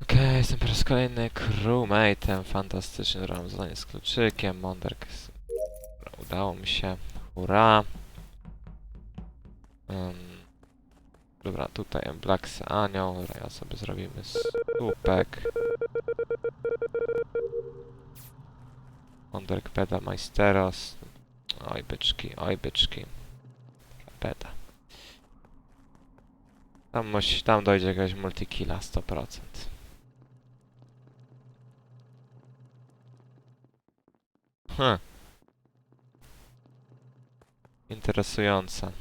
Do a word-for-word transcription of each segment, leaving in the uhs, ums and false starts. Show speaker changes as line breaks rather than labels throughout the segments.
Okej, jestem po raz kolejny crewmate'em, fantastycznie robiłem zadanie z kluczykiem, Monderk, udało mi się, hurra. Um, dobra, tutaj Blacksy Anioł, dobra, ja sobie zrobimy słupek. Monderk Peda Majsteros, oj byczki, oj byczki, Peda. Tam, musi, tam dojdzie jakaś multikilla sto procent. Hm. Interesujące.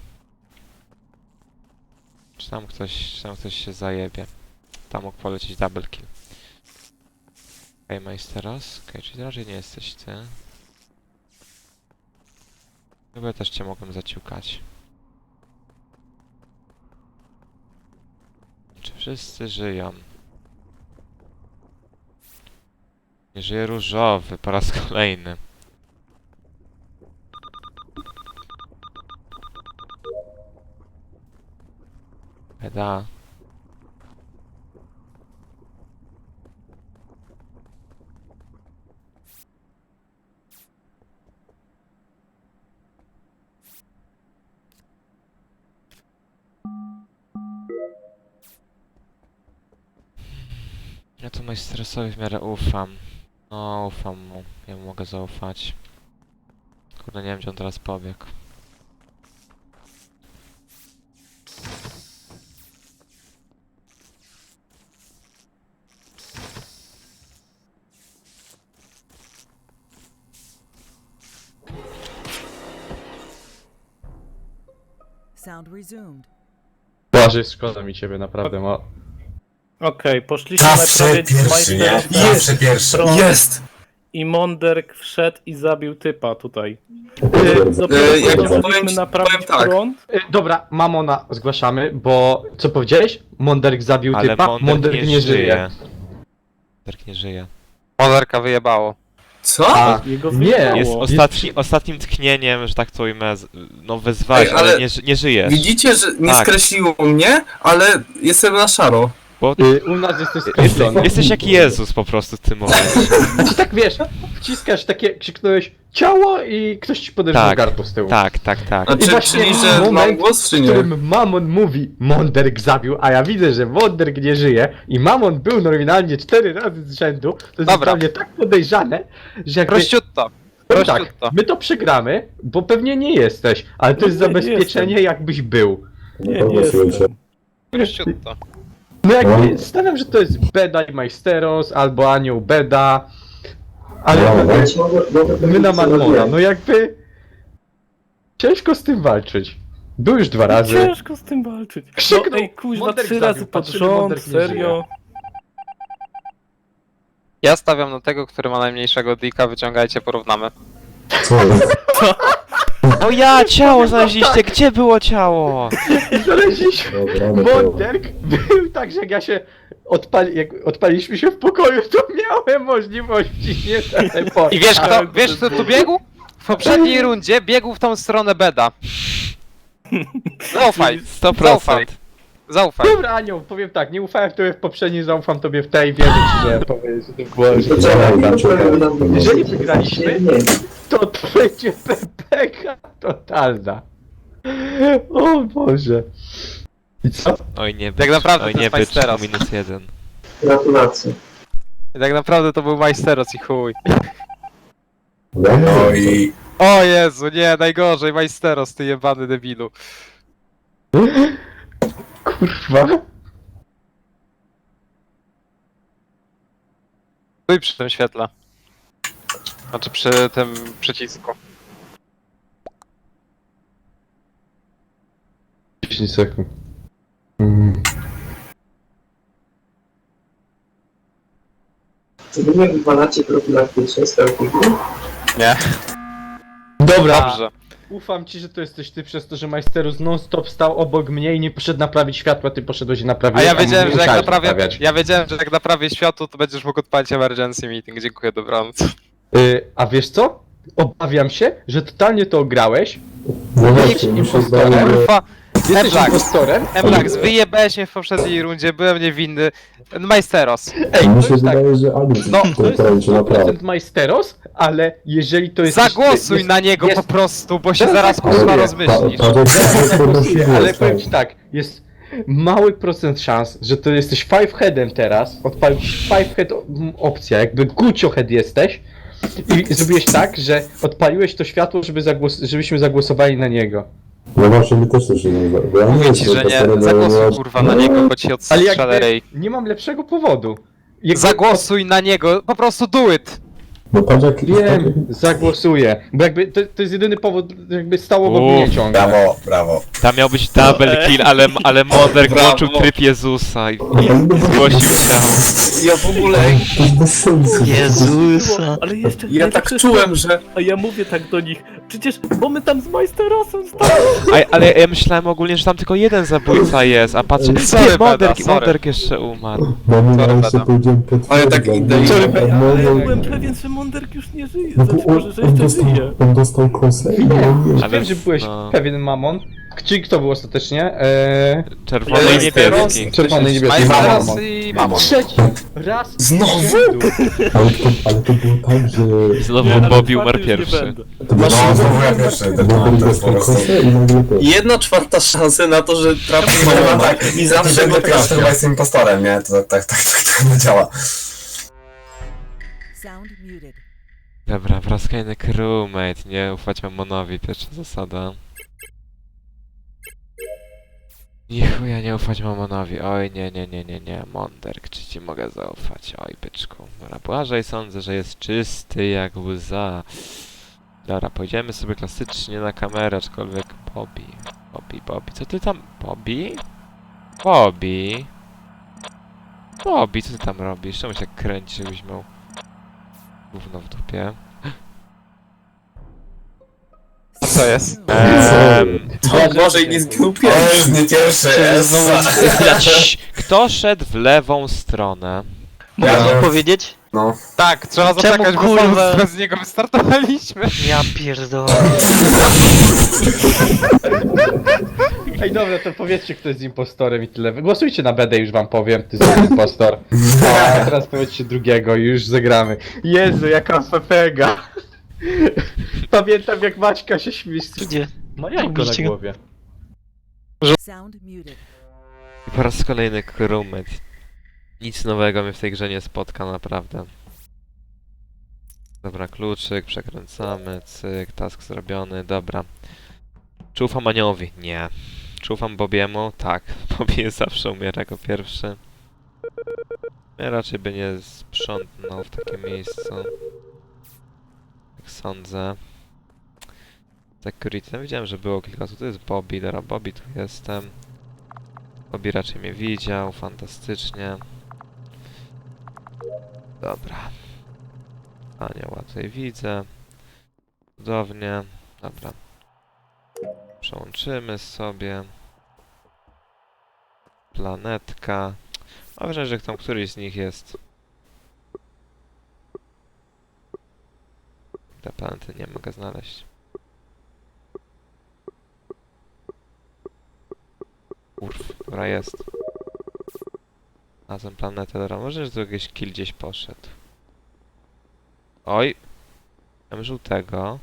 Czy tam ktoś, czy tam ktoś się zajebie? Tam mógł polecieć double kill. Okej, okay, Majsteros. Okej, okay, czyli raczej nie jesteś ty. Chyba też cię mogłem zaciukać. Czy wszyscy żyją? Nie żyje różowy po raz kolejny. Beda. Ja tu Majsterosowi w miarę ufam. No, ufam mu. Ja mu mogę zaufać. Kurde, nie wiem, gdzie on teraz pobiegł.
Sound resumed.
Błażej, szkoda mi ciebie, naprawdę, ma...
Okej, poszliśmy
Zawsze
naprawiać
pierwszy, nie?
Majstera
Zawsze pierwszy.
Front
Jest!
i Monderk wszedł i zabił typa tutaj.
Y,
Dopiero
E, jak
zdążyliśmy
powiem ci-
naprawić
powiem tak.
front.
y, dobra, Mamona zgłaszamy, bo... Co powiedziałeś? Monderk zabił
Ale
typa?
Monderk,
Monderk
nie,
nie
żyje.
żyje.
Monderk nie żyje.
Monderka wyjebało.
Co?
A,
Jego
nie.
wyjebało.
Jest ostatni, ostatnim tknieniem, że tak to ujmę, z- no wezwać,
Ej,
ale,
ale-
nie, ży- nie żyjesz.
Widzicie, że nie
Tak.
skreśliło mnie, ale jestem na szaro.
Bo
y, u nas jesteś
jesteś,
skreślony.
jesteś jak Jezus po prostu w tym momencie.
Znaczy tak, wiesz, wciskasz takie, krzyknąłeś ciało i ktoś ci podeszł
Tak,
do gardła z tyłu.
Tak, tak, tak.
Znaczy,
właśnie
czyli, że
moment,
mam głos, czy
W
nie?
którym Mamon mówi, Monderk zabił, a ja widzę, że Monderk nie żyje i Mamon był nominalnie cztery razy z rzędu, to jest
Dobra.
dla mnie tak podejrzane, że jakby...
Prościutto.
Powiem tak,
Prościutto.
my to przegramy, bo pewnie nie jesteś, ale to
No
jest
nie
zabezpieczenie,
jestem.
jakbyś był.
Nie, nie jestem.
Prościutto.
No jakby, stawiam, że to jest Beda i Majsteros, albo Anioł Beda, ale my, my na Mamona, no jakby... Ciężko z tym walczyć. Był już dwa razy.
Ciężko z tym walczyć. No
Krzyknął,
ej, kuźwa,
Monderk
trzy
zabił,
razy pod
patrzymy,
rząd,
Monderk nie
serio.
Ja stawiam na tego, który ma najmniejszego dika, wyciągajcie, porównamy.
O ja, ciało znaleźliście, gdzie było ciało?
Znaleźliśmy. Monderk był tak, że jak ja się odpali, jak odpaliliśmy się w pokoju, to miałem możliwości nie teleportu.
I wiesz kto, wiesz kto tu biegł? W poprzedniej rundzie biegł w tą stronę Beda. Zaufaj,
sto
zaufaj,
procent.
zaufaj.
Dobra, Anioł, powiem tak, nie ufałem w tobie w poprzedniej, zaufam tobie w tej, wierzę ci, że powiesz, że to było, że to jeżeli wygraliśmy, to to będzie pepeka totalna. O Boże. I co?
Oj nie być,
Tak naprawdę
oj
to
nie
jest
być,
Majsteros.
minus jeden.
Gratulacje.
I tak naprawdę to był Majsteros i chuj.
No i...
O Jezu, nie, najgorzej, Majsteros, ty jebany debilu.
Kurwa.
Stój przy tym świetle. Znaczy przy tym przycisku.
dziesięć sekund. Mm.
Czy wy nie wywalacie profilaktycznie z telefonu?
Nie.
Dobra,
Dobrze.
ufam ci, że to jesteś ty przez to, że Majsterus non-stop stał obok mnie i nie poszedł naprawić światła, ty poszedłeś i naprawić.
A ja wiedziałem, że jak
musiałeś
naprawię,
naprawiać.
ja wiedziałem, że jak naprawię światło, to będziesz mógł odpalić emergency meeting. Dziękuję, dobranoc.
Y, a wiesz co? Obawiam się, że totalnie to ograłeś.
No
Nikt impostorem.
Kurwa,
Jesteś
Emblak.
impostorem?
Emlax, wyjebałeś mnie w poprzedniej rundzie, byłem niewinny. Majsteros.
Ej,
Mi
to
się
jest tak.
wydaje, że Anic
No,
to
to jest
kręci,
sto
naprawdę.
procent Majsteros, ale jeżeli to jest...
Zagłosuj
jest,
na niego
jest,
po prostu, bo się
Zaraz
zaraz
zagłosuję.
kurwa
Pa-
rozmyślisz.
Paweł,
Zaraz
Paweł podnosi
zagłosuję, ale
głos,
powiem
tak.
ci tak, jest mały procent szans, że to jesteś five headem teraz, odpalisz five head o- m, opcja, jakby gucio head jesteś i zrobiłeś tak, że odpaliłeś to światło, żeby zagłos żebyśmy zagłosowali na niego.
No właśnie, mi też coś się nie zda. bo ja
Mówię
nie
ci,
jestem
że nie,
impostorem,
zagłosuj
ja-
kurwa na niego, bo ci
Ale
odstrzelę
jakby
rej.
nie mam lepszego powodu. Jakby,
Zagłosuj na niego, po prostu do it!
No patrz jak...
Wiem, zagłosuję, bo jakby to, to jest jedyny powód, jakby stało w
Uff,
mnie ciągle.
Brawo, brawo.
Tam miał być double kill, ale, ale Monderk włączył tryb Jezusa i, i, i zgłosił ciało.
Ja w ogóle...
To jest bez sensu.
Jezusa! Ale jeszcze
Ja tak
najlepsze
czułem,
jest
że...
to- A ja mówię tak do nich, przecież, bo my tam z Majsterosem stali.
A, ale ja myślałem ogólnie, że tam tylko jeden zabójca jest, a patrzę,
Sorry,
ty,
Beda,
Monderk,
sorry.
Monderk jeszcze umarł.
No nie,
Sorry,
ja jeszcze
Beda.
powiedziałem
Ale tak idę i-
potwierdzam.
Sorry,
No,
Ale ja
no,
byłem pewien, że Monderk już nie żyje,
no
znaczy
bo
może,
on,
że
on,
jeszcze
dostał,
żyje.
on dostał kosę i
Nie,
on nie...
Ale-
wiem, że byłeś
no.
pewien mamon. Czyli kto był ostatecznie? Eee...
Czerwony i
Majsteros?
niebieski.
Czerwony i niebieski.
Majsteros
Mamon.
i
Mamon.
Trzeci raz
Znowu?
z rzędu.
Ale to, ale to było tak, że...
Znowu
Nie, ale
Bobby
czwarty
umarł
już nie
pierwszy.
będę.
To
No,
było-
znowu ja pierwszy. To,
Bo
to,
on
to jest po
dostał
prostu...
kosę i nagle to...
Jedna czwarta szansy na to, że trafi
No, no,
mamona
tak,
i zawsze
będę
go
pierwszy,
trafia.
chyba jestem impostorem, nie? To tak, tak, tak, tak, tak działa.
Sound muted.
Dobra, po raz kolejny crewmate, nie ufać Mamonowi, pierwsza zasada. Nie chuja, nie ufać Mamonowi, oj nie, nie, nie, nie, nie, Monderk, czy ci mogę zaufać, oj byczku. Dobra, Błażej sądzę, że jest czysty jak łza. Dobra, pójdziemy sobie klasycznie na kamerę, aczkolwiek Bobby, Bobby, Bobby, co ty tam, Bobby? Bobby? Bobby, co ty tam robisz? Czemu się tak kręci, żebyś miał gówno w dupie?
A co jest?
Ehm,
O Boże, i nie zginął
To
pierwszy.
jest nie pierwszy, jest...
Cii, kto szedł w lewą stronę?
Ja
powiedzieć?
No.
Tak, trzeba
Czemu,
zaczekać, bo
kurwa?
sam bez niego wystartowaliśmy.
Ja pierdolę.
Ej, dobra, to powiedzcie, kto jest impostorem i tyle. Głosujcie na B D, już wam powiem, ty jesteś impostor. A teraz powiedzcie drugiego i już zagramy. Jezu, jaka fefega. Pamiętam, jak Maćka się śmieje.
Gdzie?
Ma jajko na
Robiliście go?
głowie.
Sound muted.
I po raz kolejny crewmate. Nic nowego mnie w tej grze nie spotka, naprawdę. Dobra, kluczyk, przekręcamy, cyk, task zrobiony, dobra. Czy ufam Aniołowi? Nie. Czy ufam Bobiemu? Tak. Bobby zawsze umiera jako pierwszy. Ja raczej by nie sprzątnął w takim miejscu. Jak sądzę. Security. No widziałem, że było kilka osób. Tu jest Bobby, dobra, Bobby, tu jestem. Bobby raczej mnie widział, fantastycznie. Dobra. Anioła tutaj widzę. Cudownie. Dobra. Przełączymy sobie. Planetka. Mam wrażenie, że tam któryś z nich jest. Te planety nie mogę znaleźć. Urf, dobra jest. Znalazłem planetę, dobra, może, że tu jakiś kill gdzieś poszedł. Oj! Mam żółtego.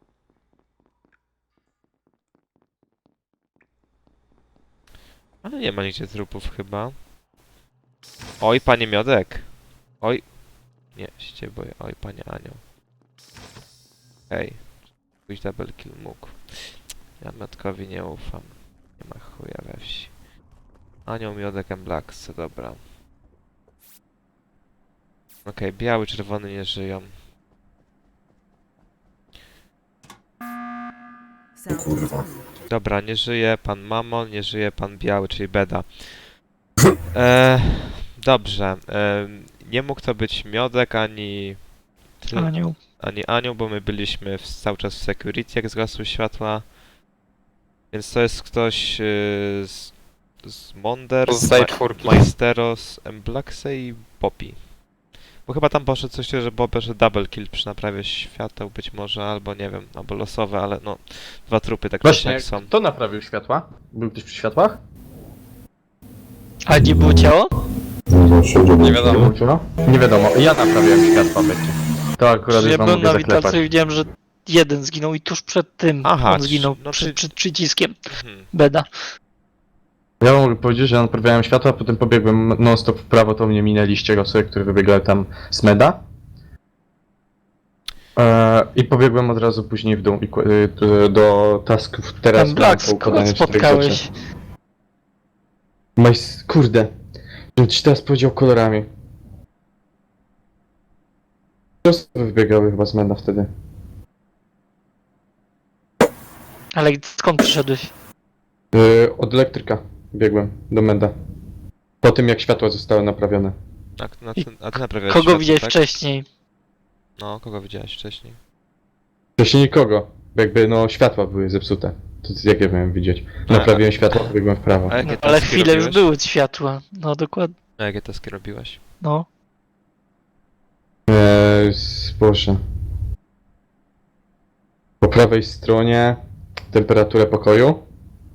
Ale nie ma nigdzie trupów chyba. Oj, panie Miodek! Oj! Nie, się boję. Oj, panie Anioł. Hej. Pójść double kill mógł. Ja Miodkowi nie ufam. Nie ma chuja we wsi. Anioł, Miodek, Emblaks, dobra. Okej, biały, czerwony nie żyją.
Sound
Kurwa.
muted.
Dobra, nie żyje pan Mamon, nie żyje pan Biały, czyli Beda. E, dobrze. E, nie mógł to być Miodek, ani... Ty,
Anioł.
ani Anioł, bo my byliśmy w, cały czas w security, jak zgasły światła. Więc to jest ktoś e, z, z Monder, z
Pozostaje
Ma
czwórki.
Majsteros, Emblaxe i Bobby. Bo chyba tam poszedł coś, że Bob, że double kill przy naprawie świateł być może, albo nie wiem, albo losowe, ale no, dwa trupy tak czy
Właśnie,
siak są.
kto naprawił światła? Był ktoś przy światłach?
A nie było ciało?
Nie wiadomo.
No? Nie wiadomo, ja naprawiałem światła, będzie. To akurat
Ja
już wam
byłem
mogę
na
zaklepać.
witacji i widziałem, że jeden zginął i tuż przed tym
Aha,
on zginął,
no
przed,
ty-
przed przyciskiem
Mhm.
beda.
Ja wam mogę powiedzieć, że ja naprawiałem światła, a potem pobiegłem non-stop w prawo, to mnie minęliście osoby, które wybiegały tam z meda. Eee, I pobiegłem od razu później w dół i, ku- y, do tasków teraz.
Ten Black,
mam
skąd
poukładane cztery
spotkałeś?
rzeczy. Majs... Kurde. Żebym ci teraz powiedział kolorami. Trzy osoby wybiegały chyba z meda wtedy.
Ale skąd przyszedłeś?
Yy, od elektryka biegłem do meda. Po tym jak światła zostały naprawione.
A, na, ty- a ty naprawiałeś
Kogo
światło,
widziałeś
tak?
wcześniej?
No, kogo widziałeś wcześniej?
Wcześniej nikogo. Bo jakby no światła były zepsute. To jak ja miałem widzieć?
A-
Naprawiłem światła, pobiegłem w prawo.
A jakie
No, ale
taski
chwilę już
robiłeś?
były światła. No dokładnie.
A jakie taski robiłeś?
No.
Eee, Boże. Po prawej stronie temperaturę pokoju.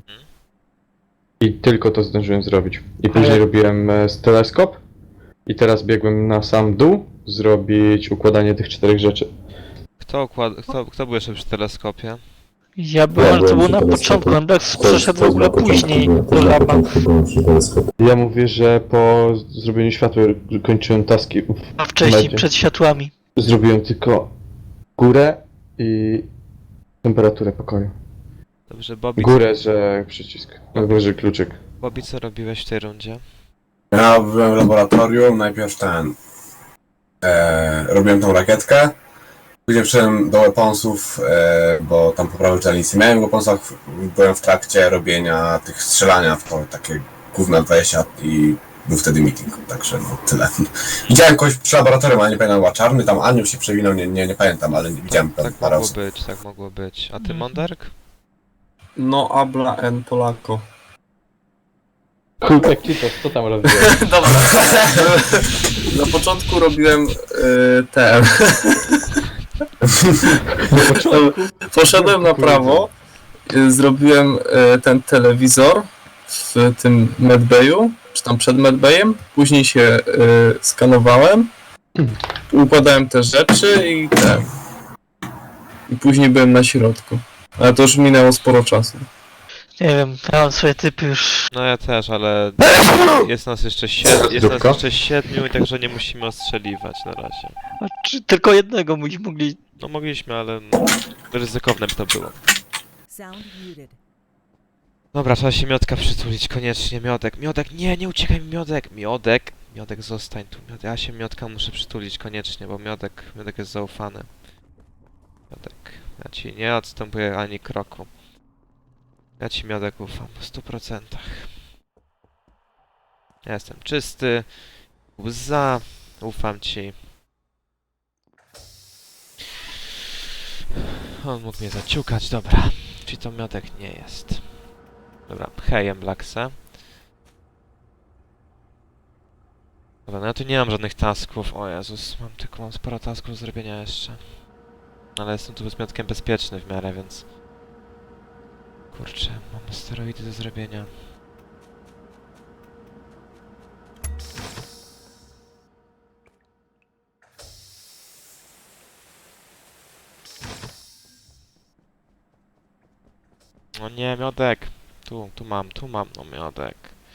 I tylko to zdążyłem zrobić. I później
Ale-
robiłem e, teleskop. I teraz biegłem na sam dół zrobić układanie tych czterech rzeczy.
Kto, układ... kto, kto był jeszcze przy teleskopie?
Ja byłem, ale to było na początku, ten Black przeszedł w ogóle później do laba.
Ja mówię, że po zrobieniu światła kończyłem taski. w
A wcześniej,
medzie.
przed światłami.
Zrobiłem tylko górę i temperaturę pokoju.
Dobrze, Bobby,
Górę, że przycisk. Albo że kluczyk.
Bobby, co robiłeś w tej rundzie?
Ja byłem w laboratorium, najpierw ten... E, robiłem tą rakietkę. Później przyszedłem do weaponsów, e, bo tam po prawej stronie nic nie miałem w weaponsach. Byłem w trakcie robienia tych strzelania w to takie gówna dwadzieścia i był wtedy meeting, także no tyle. Widziałem kogoś przy laboratorium, ale nie pamiętam, była czarny, tam Aniu się przewinął, nie, nie, nie pamiętam, ale nie widziałem tam
Tak
parę
mogło
osób.
być, tak mogło być. A ty,
Mhm.
Monderk?
No habla en Polako.
Kultek Cheetos, co tam robiłeś?
Dobra. Na początku robiłem y, ten. Poszedłem na prawo, y, zrobiłem y, ten telewizor w tym medbayu, czy tam przed medbayem. Później się y, skanowałem, układałem te rzeczy i ten. I później byłem na środku. Ale to już minęło sporo czasu.
Nie wiem, ja mam swoje typy już.
No ja też, ale jest nas jeszcze siedmiu, jest nas
Zdrówko?
jeszcze siedmiu i także nie musimy ostrzeliwać na razie.
A czy tylko jednego byśmy mogli.
No mogliśmy, ale no, ryzykowne by to było.
Sound muted.
Dobra, trzeba się Miodka przytulić, koniecznie. Miodek, Miodek, nie, nie uciekaj mi, Miodek! Miodek, Miodek, zostań tu. Miodek, ja się Miodka muszę przytulić koniecznie, bo Miodek, Miodek jest zaufany. Miodek, ja ci nie odstępuję ani kroku. Ja ci, Miodek, ufam w stu procentach. Ja jestem czysty, łza, ufam ci. On mógł mnie zaciukać, dobra. Czyli to Miodek nie jest. Dobra, hejem Blackse. Dobra, no ja tu nie mam żadnych tasków. O Jezus, mam tylko mam sporo tasków do zrobienia jeszcze. Ale jestem tu z Miodkiem bezpieczny w miarę, więc... Kurczę, mam steroidy do zrobienia. O nie, Miodek! Tu, tu mam, tu mam, no Miodek.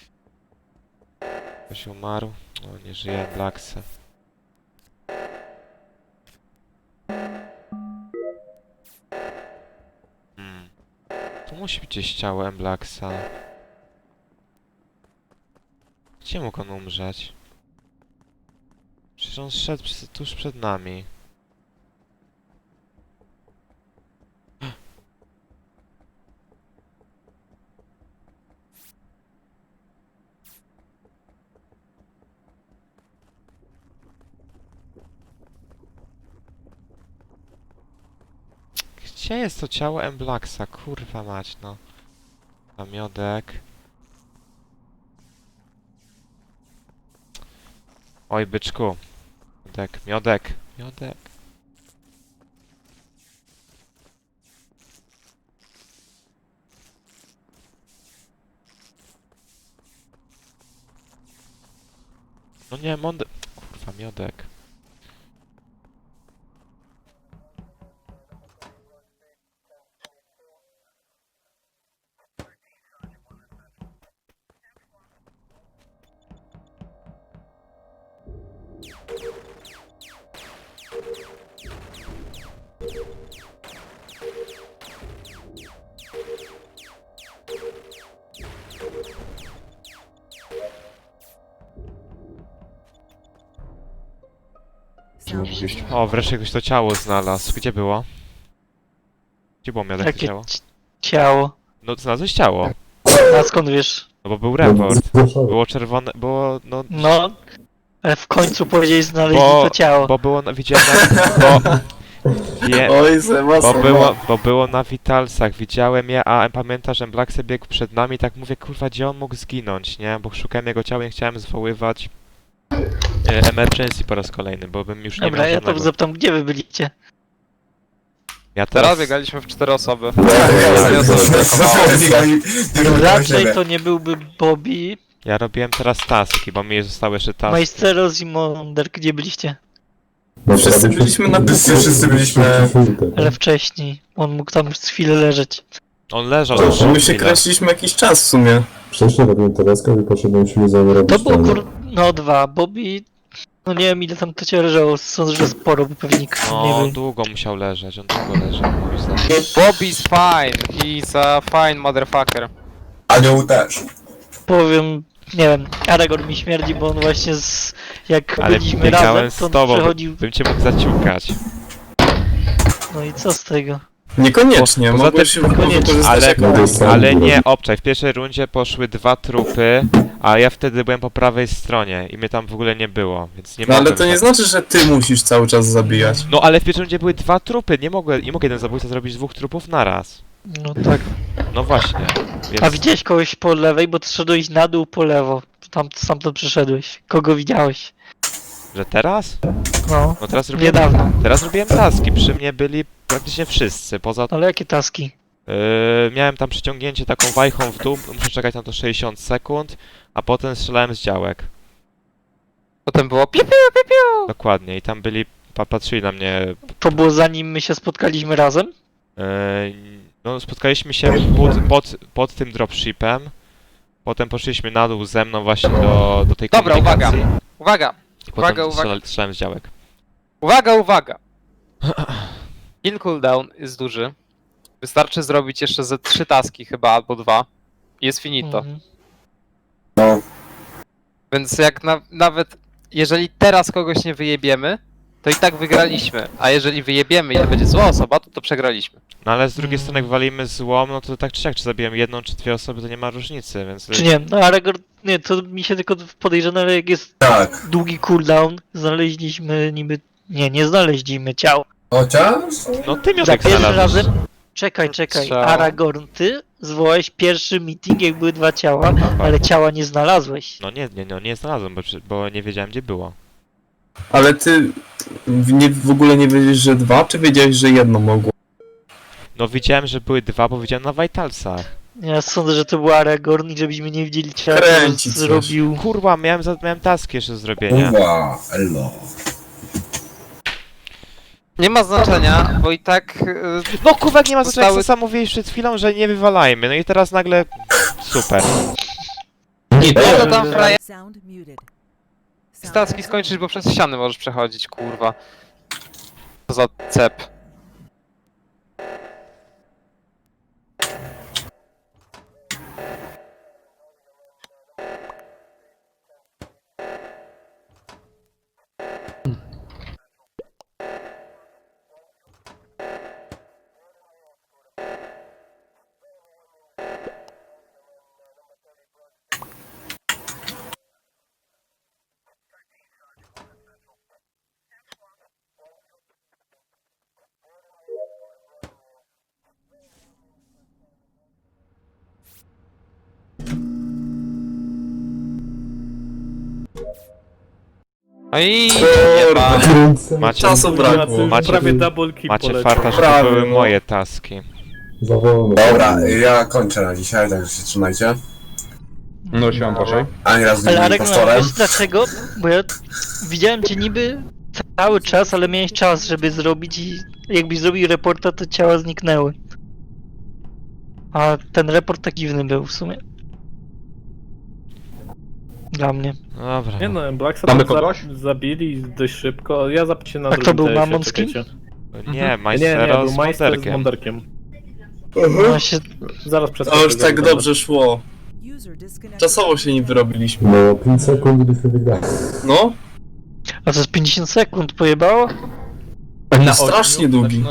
Ktoś umarł? O, nie żyje, Blackse. Hmm. Tu musi być gdzieś ciało Emblaxa. Gdzie mógł on umrzeć? Przecież on szedł przy- tuż przed nami. Gdzie jest to ciało Emblaxa? Kurwa mać, no. A Miodek. Oj, byczku. Miodek, miodek, miodek. No nie, mądek. Kurwa, miodek.
Sound muted.
O, wreszcie ktoś to ciało znalazł. Gdzie było? Gdzie było miodek to
Jakie
ciało?
ci- ciało?
No, znalazłeś ciało.
A skąd wiesz?
No bo był report.
Zgłaszałem.
Było czerwone, było, no...
No, ale w końcu powiedzieli znaleźli
Bo,
to ciało.
bo było, na, widziałem na... Bo, wie,
Oj, Seba,
bo,
Seba.
było, bo było na Vitalsach, widziałem je, a pamiętasz, że Black sobie biegł przed nami, tak mówię, kurwa, gdzie on mógł zginąć, nie? Bo szukałem jego ciała i nie chciałem zwoływać e, emergency po raz kolejny, bo bym już nie
Dobra,
miał
ja to
żadnego.
zapytam, gdzie wy byliście?
Ja
Teraz
teraz...
biegaliśmy w cztery osoby.
Tak,
osoby brakowało.
Raczej to nie byłby Bobby,
Ja robiłem teraz taski, bo mi zostały jeszcze taski.
Majsteros i Monder, gdzie byliście?
No,
Wszyscy
prawie
byliśmy na
Wszyscy, wszyscy byliśmy...
Ale wcześniej. On mógł tam z chwilę leżeć.
On leżał
To,
już
że my się
chwilę.
kręciliśmy jakiś czas w sumie.
Wcześniej robiłem tereskę i poszedłem siły zrobić.
To było kur... no dwa. Bobby... No nie wiem ile tam to cię leżało, sądzę, że sporo, bo pewnie nikt
No,
nie
on
był.
długo musiał leżeć, on długo leżał, moim zdaniem.
Bobby's fine. He's a fine motherfucker.
Anioł też.
Powiem, nie wiem, Aragorn mi śmierdzi, bo on właśnie z... jak
Ale
byliśmy
biegałem
razem,
z
to on
tobą,
przechodził...
bym cię mógł zaciukać.
No i co z tego?
Niekoniecznie,
Poza
mogłeś
tym-
się
Niekoniecznie.
wykorzystać
Ale,
jako...
No to jest
ale
sam
nie,
byłem.
obczaj, w pierwszej rundzie poszły dwa trupy, a ja wtedy byłem po prawej stronie i mnie tam w ogóle nie było, więc nie
No ale
mogłem
to nie
tak-
znaczy, że ty musisz cały czas zabijać.
No ale w pierwszej rundzie były dwa trupy, nie mogę, nie mogę jeden zabójca zrobić dwóch trupów naraz.
No tak.
No właśnie, więc...
A widziałeś kogoś po lewej, bo ty szedłeś na dół po lewo. Tam stamtąd przyszedłeś. Kogo widziałeś?
Że teraz?
No,
No teraz robiłem...
niedawno.
Teraz robiłem taski, przy mnie byli praktycznie wszyscy, poza...
Ale jakie taski?
Yy, miałem tam przyciągnięcie taką wajchą w dół, muszę czekać na to sześćdziesiąt sekund, a potem strzelałem z działek.
Potem było piu, piu, piu, piu.
Dokładnie, i tam byli, pa, patrzyli na mnie.
To było zanim my się spotkaliśmy razem?
Yy, no, spotkaliśmy się pod, pod, pod tym dropshipem, potem poszliśmy na dół ze mną właśnie do, do tej
Dobra, uwaga.
komunikacji.
Uwaga,
I potem
uwaga, uwaga.
strzelali- strzelałem z działek.
uwaga, uwaga. Kill cooldown jest duży. Wystarczy zrobić jeszcze ze trzy taski chyba, albo dwa. I jest finito.
Mhm.
No,
Więc jak na, nawet jeżeli teraz kogoś nie wyjebiemy, to i tak wygraliśmy. A jeżeli wyjebiemy i to będzie zła osoba, to to przegraliśmy.
No ale z drugiej
Mm.
strony jak walimy złom, no to tak czy siak, czy zabiłem jedną czy dwie osoby, to nie ma różnicy, więc...
Czy nie? No Aragorn, nie, to mi się tylko podejrzane, ale jak jest
tak.
długi cooldown, znaleźliśmy niby... Nie, nie znaleźliśmy ciał.
Chociaż...
No ty
Za
miodek
pierwszym
znalazłeś.
razem... Czekaj, czekaj.
Strzał.
Aragorn, ty zwołałeś pierwszy meeting, jak były dwa ciała, ale ciała nie znalazłeś.
No nie, nie, no nie znalazłem, bo, przy- bo nie wiedziałem gdzie było.
Ale ty w, nie, w ogóle nie wiedziałeś, że dwa, czy wiedziałeś, że jedno mogło?
No widziałem, że były dwa, bo widziałem na Vitalsach.
Ja sądzę, że to był Aragorn i żebyśmy nie widzieli ciała, to
Kręci coś.
zrobił...
Kurwa, miałem, za, miałem taski jeszcze do zrobienia.
Uwa, elo.
Nie ma znaczenia, bo i tak... Yy,
No kurwa, jak nie ma znaczenia,
Zostały-
jak sam mówiłeś przed chwilą, że nie wywalajmy, no i teraz nagle... Super.
po co tam frajer
Sound muted. Sound
taski
muted.
skończyć, bo przez ściany możesz przechodzić, kurwa. Co za cep. Oj,
Kurde.
Kręcę.
Macie,
Czasu brakło.
Macie-
Prawie double kill
macie
poleciał.
farta, że to
Prawie,
były
no.
moje taski.
Za wolno.
Dobra, ja kończę na dzisiaj, także się trzymajcie.
No siłam proszę.
Ani razu nie
Ale
byłem
Arek, no,
impostorem.
wiesz dlaczego? Bo ja widziałem cię niby cały czas, ale miałeś czas, żeby zrobić i jakbyś zrobił reporta, to ciała zniknęły. A ten report tak dziwny był w sumie. Dla mnie.
No dobra.
Nie no, Blacksa
Mamy
tam za-
kogoś?
zabili dość szybko. Ja zapiszę na
A kto
drugim
był
T S-ie,
Mamon z kim?
czekajcie.
Nie,
Nie, nie,
Majstero
był
z
Majster z
Monderkiem.
Monderkiem.
No się,
Zaraz przeskoczę.
To już tak
dobra.
dobrze szło.
User disconnected.
Czasowo się nie wyrobiliśmy.
No, pięć sekund i byśmy wygrali.
No,
a to z pięćdziesiąt sekund pojebało?
Na
strasznie
ośmiu?
długi.